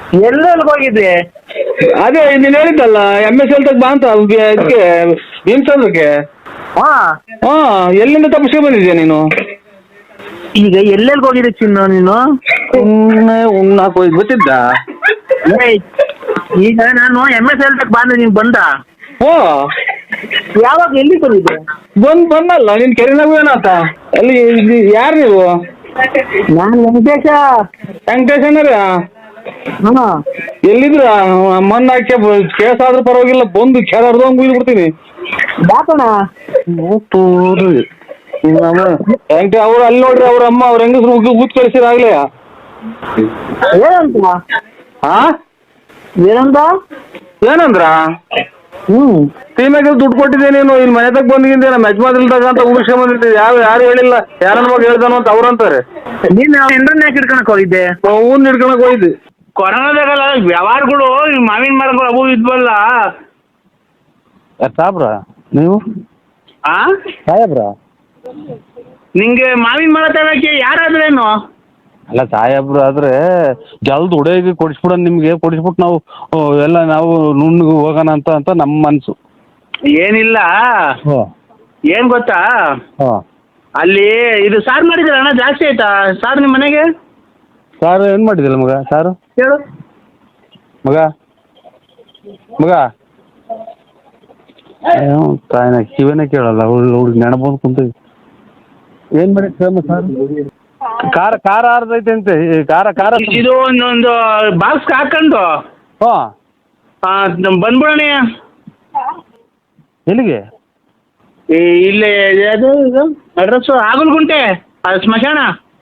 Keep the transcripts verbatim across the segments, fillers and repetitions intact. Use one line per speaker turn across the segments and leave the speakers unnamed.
ಎಲ್ಲೆಲ್ಲಿ ಹೋಗಿದ್ದೆ?
ಅದೇ ನೀನು ಹೇಳಿದ್ದಲ್ಲ ಎಮ್ ಎಸ್ ಎಲ್ ತಗ ಬಾ ಅಂತ ಇದಕ್ಕೆ ಭೀಮಚಂದ್ರಕ್ಕೆ.
ಹಾ
ಹಾಂ, ಎಲ್ಲಿಂದ ತಪ್ಪಿಸ್ಕೊಂಡು ಬಂದಿದ್ಯಾ ನೀನು?
ಈಗ ಎಲ್ಲೆಲ್ಲಿ ಹೋಗಿದ್ದೆ ಚಿನ್ನು ನೀನು?
ಸುಮ್ಮನೆ ಉಣ್ಣಾಕ್ ಹೋಗಿ ಗೊತ್ತಿದ್ದ.
ಏಯ್, ಈಗ ನಾನು ಎಮ್ ಎಸ್ ಎಲ್ ತಗ ಬಂದೆ, ನೀನು ಬಂದ?
ಓ,
ಯಾವಾಗ ಎಲ್ಲಿ ಬಂದಿದ್ದೆ?
ಬಂದ್ ಬಂದಲ್ಲ ನಿನ್ ಕೆರೆನಾಗ ಏನಾತ ಅಲ್ಲಿ. ಯಾರು ನೀವು?
ನಾನು ವೆಂಕಟೇಶ.
ವೆಂಕಟೇಶ್ ಅಣ್ಣರ
ಹಾಂ,
ಎಲ್ಲಿದ್ರ? ಮಣ್ಣು ಹಾಕಿ ಕೇಸ್ ಆದ್ರೂ ಪರವಾಗಿಲ್ಲ, ಬಂದು ಕೆರ ಹರ್ದಂಗ್ ಬುಯ್ದು ಬಿಡ್ತೀನಿ.
ಯಾಕಣ್ಣ?
ವೆಂಕಟೇಶ್ ಅವ್ರು ಅಲ್ಲಿ ನೋಡ್ರಿ, ಅವ್ರ ಅಮ್ಮ ಅವ್ರ ಹೆಂಗಸ್ರು ಉಗ್ಗಿ ಊತ್ ಕಳಿಸಿದಾಗ್ಲೇ.
ಏನಂತ?
ಹಾ,
ಏನಂತ?
ಏನಂದ್ರ?
ಹ್ಞೂ
ಸೀಮೆಗೆ ದುಡ್ಡು ಕೊಟ್ಟಿದ್ದೆ ನೀನು, ಇಲ್ಲಿ ಮನೆ ತಗ ಬಂದಿದ್ದೆ ನಮ್ಮ ಯಜಮಾನ್ರಿಲ್ದಾಗ ಅಂತ ಉಳಿಸ್ಕೊಂಡ್ ಬಂದಿದ್ದೆ. ಯಾವ ಯಾರು ಹೇಳಿಲ್ಲ, ಯಾರನ್ನ ಮಗ ಹೇಳ್ದಾನು ಅಂತ ಅವ್ರಂತಾರೆ.
ನೀನು ಎಂಡ್ರನ್ನ ಯಾಕೆ ಹಿಡ್ಕೊಳಕ್ ಹೋಗಿದ್ದೆ?
ಹೂನ್ ಹಿಡ್ಕೊಳಕ್ ಹೋಗಿದ್ದೆ.
ಕೊರೋನಾದಾಗಲ್ಲ ವ್ಯವಹಾರಗಳು, ಮಾವಿನ ಮರಗಳು ಅವು ಇದ್ವಲ್ಲ.
ಸಾಬ್ರ ನೀವು?
ಆ
ಸಾಹೇಬ್ರ?
ನಿಂಗೆ ಮಾವಿನ ಮರ ತಗೋಕ್ಕೆ ಯಾರಾದ್ರೇನು?
ಅಲ್ಲ ಸಾಹೇಬ್ರು ಆದ್ರೆ ಜಲ್ದ್ ಹುಡುಗಿ ಕೊಡಿಸ್ಬಿಡ, ನಿಮ್ಗೆ ಕೊಡಿಸ್ಬಿಟ್ಟು ನಾವು ಎಲ್ಲ ನಾವು ನುಣ್ಣಗೆ ಹೋಗೋಣ ಅಂತ ಅಂತ ನಮ್ಮ ಮನಸ್ಸು.
ಏನಿಲ್ಲ, ಏನ್ ಗೊತ್ತಾ, ಅಲ್ಲಿ ಇದು ಸಾರು ಮಾಡಿದ್ರ ಅಣ್ಣ, ಜಾಸ್ತಿ ಆಯ್ತಾ ಸಾರು ನಿಮ್ಮ ಮನೆಗೆ?
ಸಾರು ಏನು ಮಾಡಿದಿಲ್ಲ ಮಗ? ಸಾರು
ಹೇಳು
ಮಗ. ಮಗ ತಾಯಿನ ಕಿವಿನೇ ಕೇಳಲ್ಲ, ಹುಡುಗಿ ನೆನ ಬಂದು ಕುಂತೀವಿ. ಏನು ಮಾಡಿ ಸಾರು? ಖಾರ ಖಾರ ಆರ್ದೈತೆ ಅಂತೆ. ಖಾರ ಖಾರ
ಇದು ಒಂದೊಂದು ಬಾಕ್ಸ್ ಹಾಕೊಂಡು
ಹಾಂ
ಬಂದ್ಬಿಡೋಣ.
ಎಲ್ಲಿಗೆ?
ಇಲ್ಲೇ ಅದು ಇದು ಅಡ್ರೆಸ್ಸು ಆಗಲ್ಗುಂಟೆ, ಅದು ಸ್ಮಶಾನ.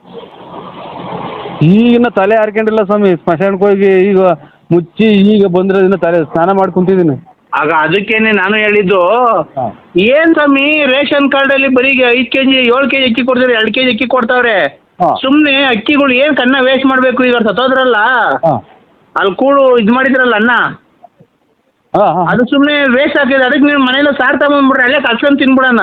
ಈಗಿನ ತಲೆ ಹಾರ್ಕೊಂಡಿಲ್ಲ ಸ್ವಾಮಿ, ಸ್ಮಶಾನಕ್ಕೆ ಹೋಗಿ ಈಗ ಮುಚ್ಚಿ ಈಗ ಬಂದ್ರೆ ಇನ್ನು ತಲೆ ಸ್ನಾನ ಮಾಡಿ ಕುಂತಿದ್ದೀನಿ.
ಆಗ ಅದಕ್ಕೇನೆ ನಾನು ಹೇಳಿದ್ದು, ಏನ್ ಸ್ವಾಮಿ ರೇಷನ್ ಕಾರ್ಡಲ್ಲಿ ಬರೀ ಐದು ಕೆ ಜಿ ಏಳು ಕೆ ಜಿ ಅಕ್ಕಿ ಕೊಡ್ತಾರೆ, ಎರಡು ಕೆ ಜಿ ಅಕ್ಕಿ ಕೊಡ್ತಾವ್ರೆ. ಸುಮ್ಮನೆ ಅಕ್ಕಿಗಳು ಏನು ಕನ್ನ ವೇಸ್ಟ್ ಮಾಡಬೇಕು? ಈಗ ಸತ್ತೋದ್ರಲ್ಲ ಅಲ್ಲಿ ಕೂಡು ಇದು ಮಾಡಿದ್ರಲ್ಲ ಅನ್ನ, ಅದು ಸುಮ್ಮನೆ ವೇಸ್ಟ್ ಆಗ್ತಿದೆ. ಅದಕ್ಕೆ ನೀವು ಮನೇಲಿ ಸಾರು ತಗೊಂಡ್ಬಿಡ್ರಿ, ಅಲ್ಲೇ ಕಲ್ಸ್ಕೊಂಡು ತಿನ್ಬಿಡೋಣ.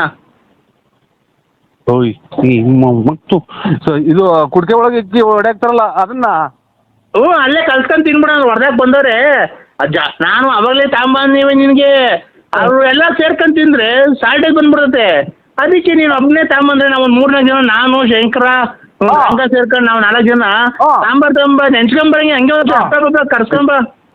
ಓಯ್ ಮತ್ತು ಇದು ಕುಡಿಕೆ ಒಳಗೆ ಇಕ್ಕಿ ಹೊಡ್ಯಾಕ್ತಾರಲ್ಲ ಅದನ್ನ?
ಹ್ಞೂ, ಅಲ್ಲೇ ಕಲ್ಸ್ಕೊಂಡು ತಿನ್ಬಿಡೋಣ. ಹೊರದಾಗ ಬಂದವ್ರೆ ಅಜ್ಜ, ನಾನು ಅವಾಗಲೇ ತಗೊಂಬಂದಿವೆ ನಿನಗೆ. ಅವರು ಎಲ್ಲ ಸೇರ್ಕೊಂಡು ತಿಂದ್ರೆ ಸಾಲ್ಟೇಜ್ ಬಂದ್ಬಿಡುತ್ತೆ. ಅದಕ್ಕೆ ನೀನು ಒಬ್ಬನೇ ತಗೊಂಬಂದ್ರೆ ನಾವು ಒಂದು ಮೂರ್ನಾಲ್ಕು ಜನ, ನಾನು ಶಂಕರ ಹಂಗ ಸೇರ್ಕೊಂಡು ನಾವು ನಾಲ್ಕು ಜನ ಸಾಂಬಾರ್ ತಗೊಂಬ, ನೆನ್ಸ್ಕೊಂಬರಂಗೆ ಹಂಗೆ ಒಂದು ಕರ್ಸ್ಕೊಂಬ.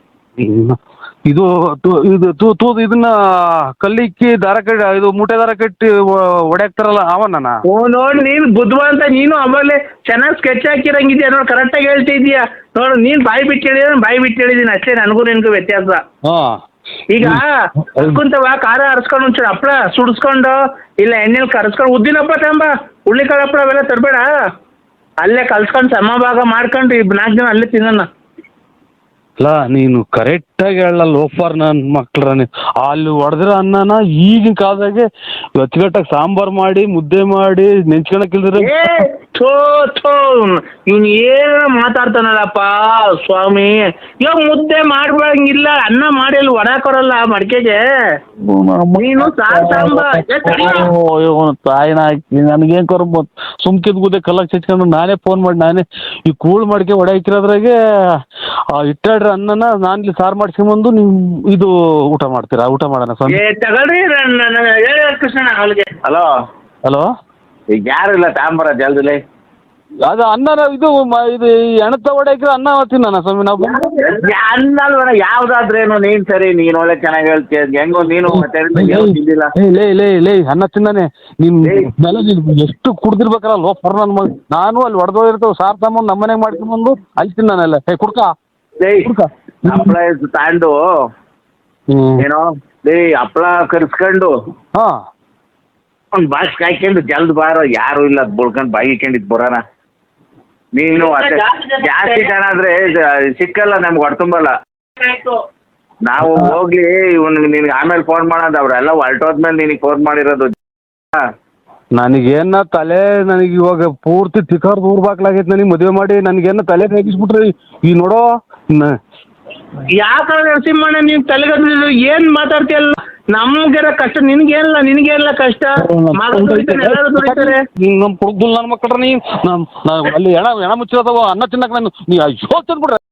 ಇದು ಇದು ತೂ ತೂ ಇದನ್ನ ಕಲ್ಲಿಕ್ಕಿ ದಾರ ಕಟ್ಟಿ ಇದು ಮೂಟೆ ದಾರ ಕಟ್ಟಿ ಹೊಡ್ಯಾಕ್ತಾರಲ್ಲ ಅವನ್ನ?
ಓ ನೋಡಿ, ನೀನು ಬುದ್ಧಿವಂತ. ನೀನು ಅವಾಗಲೇ ಚೆನ್ನಾಗಿ ಸ್ಕೆಚ್ ಹಾಕಿರಂಗಿದ್ಯಾ ನೋಡಿ, ಕರೆಕ್ಟಾಗಿ ಹೇಳ್ತಿದ್ಯಾ ನೋಡು. ನೀನು ಬಾಯಿ ಬಿಟ್ಟು ಹೇಳಿದ್ರೆ ಬಾಯಿ ಬಿಟ್ಟು ಹೇಳಿದ್ದೀನಿ ಅಷ್ಟೇ, ನನಗೂ ನಿನಗೂ ವ್ಯತ್ಯಾಸ. ಈಗ ಕುಂತವ ಖಾರ ಹರಿಸ್ಕೊಂಡು ಒಂಚೂರು ಹಪ್ಪಳ ಸುಡಿಸ್ಕೊಂಡು, ಇಲ್ಲ ಎಣ್ಣೆಲಿ ಕರ್ಸ್ಕೊಂಡು, ಉದ್ದಿನ ಹಪ್ಪಳ ತಗೊಂಬ, ಹುಳ್ಳಿಕಾಳು ಹಪ್ಪಳ ಅವೆಲ್ಲ ತರಬೇಡ. ಅಲ್ಲೇ ಕಲ್ಸ್ಕೊಂಡು ಸಮಭಾಗ ಮಾಡ್ಕೊಂಡು ಇಬ್ಬರು ನಾಲ್ಕು ಜನ ಅಲ್ಲೇ ತಿನ್ನೋಣ.
ಅಲ್ಲ ನೀನು ಕರೆಕ್ಟಾಗಿ ಹೇಳಲ್ಲ ಲೋಫರ್ ನನ್ನ ಮಕ್ಳ್ರ. ಅಲ್ಲಿ ಹೊಡೆದಿರೋ ಅನ್ನನ ಈಗಿನ ಕಾಲದಾಗೆ ಅಚ್ಚುಕಟ್ಟಾಗಿ ಸಾಂಬಾರು ಮಾಡಿ ಮುದ್ದೆ ಮಾಡಿ ನೆಂಚ್ಕೊಳಕ್ಕಿಲ್ದ್ರೆ
ಥೋ ಥೋ ಇವ್ನು ಏನು ಮಾತಾಡ್ತಾನಲ್ಲಪ್ಪ ಸ್ವಾಮಿ. ಇವಾಗ ಮುದ್ದೆ ಮಾಡ್ಬಂಗಿಲ್ಲ, ಅನ್ನ ಮಾಡಿ ಅಲ್ಲಿ ಹೊಡಾಕೊರಲ್ಲ ಮಡಿಕೆಗೆ. ನೀನು ಸಾರು ಸಾಂಬಾರ್
ತಾಯಿನ ಹಾಕಿ ನನಗೇನು ಕರ್ಮ ಸುಮ್ಕಿದ್ ಗುದ್ದೆ ಕಲ್ಲಕ್ಕೆ ಚಚ್ಕೊಂಡು ನಾನೇ ಫೋನ್ ಮಾಡಿ ನಾನೇ ಈ ಕೂಳು ಮಡಿಕೆ ಹೊಡೆ ಹಾಕಿರೋದ್ರಾಗೆ ಇಟ್ಟಾಡ್ರಿ ಅನ್ನನ ನಾನು ಇಲ್ಲಿ ಸಾರು ಮಾಡ್ಸ್ಕೊಂಬಂದು ನೀವು ಇದು ಊಟ ಮಾಡ್ತೀರಾ? ಊಟ ಮಾಡೋಣ ಸ್ವಾಮಿ.
ತಗೊಳ್ರಿ ಕೃಷ್ಣ ಅಲ್ಲಿಗೆ. ಹಲೋ
ಹಲೋ,
ಈಗ ಯಾರು ಇಲ್ಲ ತಾಂಬರ ಜಲ್ದಿಲೆ.
ಅದು ಅನ್ನ ಇದು ಇದು ಎಣತ ಹೊಡೆ ಹಾಕಿರೋ ಅನ್ನ ತಿನ್ನೋಣ ಸ್ವಾಮಿ ನಾವು.
ಅನ್ನ ಅಲ್ವಣ ಯಾವ್ದಾದ್ರೇನು? ನೀನ್ ಸರಿ, ನೀನ್ ಒಳ್ಳೆ ಚೆನ್ನಾಗಿ ಹೇಳ್ತೀಯ. ಹೆಂಗೋ ನೀನು ತಿಂದಿಲ್ಲ.
ಲೇ ಲೇ ಲೇ ಅನ್ನ ತಿನ್ನಾನೆ ನಿನ್ ಮೇಲೆ ನೀನು ಎಷ್ಟು ಕುಡ್ದಿರ್ಬೇಕಲ್ಲ ಲೋಫರ್ ನನ್ನ ಮಗ. ನಾನು ಅಲ್ಲಿ ಹೊಡೆದೋಗಿರ್ತೇವೆ ಸಾರು ತಗೊಂಡು ನಮ್ಮ ಮನೆಗೆ ಮಾಡ್ಕೊಂಬಂದು ಅಲ್ಲಿ ತಿನ್ನಾನೆಲ್ಲ. ಹೇ ಕುಡ್ಕ
ಹಪ್ಪಳ ತಾಂಡು ಏನೋ ಲೇ ಹಪ್ಪಳ ಕರ್ಸ್ಕೊಂಡು
ಹಾಂ
ಒಂದು ಬಾಕ್ಸ್ ಕಾಯ್ಕೊಂಡು ಜಲ್ದ್ ಬಾರೋ, ಯಾರು ಇಲ್ಲ ಬುಳ್ಕೊಂಡು ಬಾಯಿ ಇಕ್ಕೊಂಡಿದ್ ಬರೋಣ. ನೀನು ಅಷ್ಟೇ ಜಾಸ್ತಿ ಜನ ಆದ್ರೆ ಸಿಕ್ಕಲ್ಲ ನಮ್ಗೆ ಹೊಡ್ತುಂಬಲ್ಲ. ನಾವು ಹೋಗ್ಲಿ ಇವ್ನು ನಿನ್ಗೆ ಆಮೇಲೆ ಫೋನ್ ಮಾಡೋದು, ಅವ್ರೆಲ್ಲ ಹೊರಟೋದ್ಮೇಲೆ ನಿನಗೆ ಫೋನ್ ಮಾಡಿರೋದು.
ನನಗೇನ ತಲೆ ನನಗೆ ಇವಾಗ ಪೂರ್ತಿ ತಿಕ್ಕರ್ ದೂರ ಬಾಕ್ಲಾಗೈತೆ. ನನಗೆ ಮದುವೆ ಮಾಡಿ ನನಗೇನ ತಲೆ ತೆಗಿಸ್ಬಿಟ್ರಿ ಈ ನೋಡೋ.
ಯಾಕೆ ನರಸಿಂಹಣ್ಣ ನೀನು ತಲೆಗದ್ದು ಏನು ಮಾತಾಡ್ತೀಯಲ್ಲ? ನಮ್ಗೆ ಕಷ್ಟ, ನಿನ್ಗೇನಿಲ್ಲ ನಿನಗೇನಿಲ್ಲ ಕಷ್ಟ. ಎಲ್ಲರೂ ದುಡಿತಾರೆ.
ನಮ್ಮ ಕುಡ್ದು ನನ್ನ ಮಕ್ಕಳ್ರ ನೀ ಅಲ್ಲಿ ಎಣ ಎಣ ಮುಚ್ಚಿರೋದವ ಅನ್ನ ತಿನ್ನಕ್ಕೆ ನಾನು ನೀ ಅಯ್ಯೋ ತಂದ್ಬಿಡ್ರೆ.